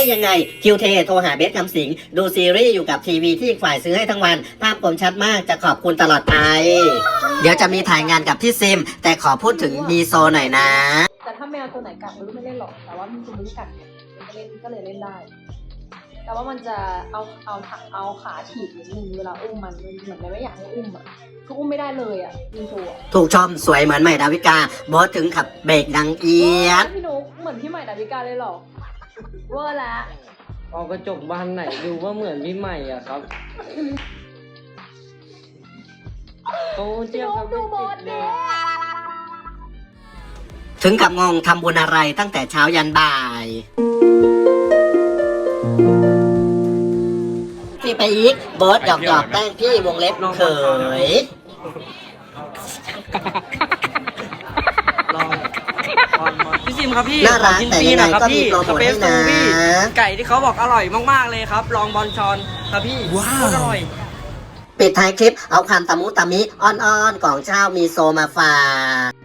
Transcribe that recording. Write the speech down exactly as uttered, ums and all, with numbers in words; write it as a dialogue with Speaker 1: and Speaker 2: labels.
Speaker 1: ยังไงคิวเทโทรหาเบสคำสิงดูซีรีส์อยู่กับทีวีที่อีกฝ่ายซื้อให้ทั้งวันภาพคมชัดมากจะขอบคุณตลอดไปเดี๋ยวจะมีถ่ายงานกับพี่ซิมแต่ขอพูดถึงมีโซหน่อยนะ
Speaker 2: แต่ถ้าแมวตัวไหนกัดมันไม่เล่นหรอกแต่ว่ามันตัวนี้กัดเนี่ยมันก็เล่นก็เลยเล่นได้แต่ว่ามันจะเอาเอาถังเอาขาถีบนิดนึงเวลาอุ้มมันมันเหมือนมันไม่อยากให้อุ้มอ่ะคืออุ้มไม่ได้เลยอ่ะมีตัว
Speaker 1: ถูกชมสวยเหมือนใหม่ดาวิกาบอสถึงขับเบรกดังเอียด
Speaker 2: พี่นุ๊กเหมือนพี่ใหม่ดาวิกาเลยหรอเวอร์ละ
Speaker 3: เอากระจกบานไหนดูว่าเหมือนพี่ใหม่อ่ะครับโอ้เจี๊ยบครับดูบอสเลย
Speaker 1: ถึงกับงงทำบุญอะไรตั้งแต่เช้ายันบ่ายพี่ไปอีกบอสหยอกหยอกแป้งพี่วงเล็บเขย
Speaker 3: พี่ซิมครับพี่
Speaker 1: น่ารักแต่ยังไงก็มีโปรโมทให้นะ
Speaker 3: ไก่ที่เขาบอกอร่อยมากๆเลยครับลองบอลชอนครับพี่ว้าวอร่อย
Speaker 1: ปิดท้ายคลิปเอาคำตะมุตะมิอ้อนๆกล่องเช้ามีโซมาฝาก